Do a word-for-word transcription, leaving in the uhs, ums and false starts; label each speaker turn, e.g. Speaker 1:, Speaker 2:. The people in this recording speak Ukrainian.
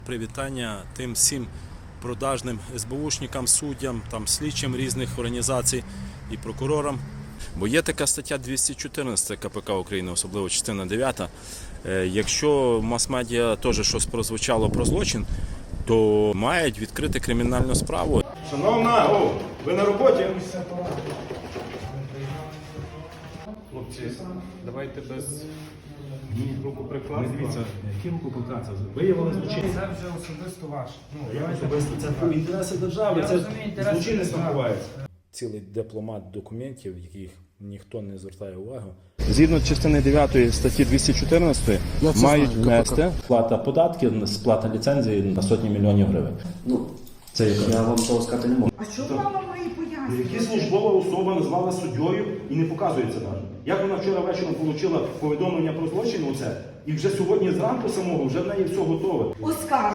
Speaker 1: Привітання тим всім продажним ес бе ушникам, суддям, там, слідчим різних організацій і прокурорам. Бо є така стаття двісті чотирнадцять ка пе ка України, особливо частина дев'ята. Якщо в мас-медіа теж щось прозвучало про злочин, то мають відкрити кримінальну справу.
Speaker 2: Шановна, о, ви на роботі? Хлопці, давайте без рукоприкладства.
Speaker 3: Дивіться, які рукоприкладства? Виявили злочинність.
Speaker 4: Це вже особисто ваше. Ну,
Speaker 3: Як особисто? Це інтереси держави,
Speaker 4: Я
Speaker 3: це
Speaker 4: розумію, інтереси
Speaker 3: злочинність
Speaker 4: держави.
Speaker 3: набувається.
Speaker 1: Цілий дипломат документів, яких ніхто не звертає увагу.
Speaker 2: Згідно частини дев'ятої статті двісті чотирнадцять мають внести
Speaker 5: Сплата податків, сплата ліцензії на сотні мільйонів гривень. Ну, це я вам того сказати не можу.
Speaker 6: А що мама має пояснювати?
Speaker 3: Які службова особа назвала суддєю і не показується навіть. Як вона вчора вечором отримала повідомлення про злочин оце, і вже сьогодні зранку самого вже в неї все готове.
Speaker 6: Оскар.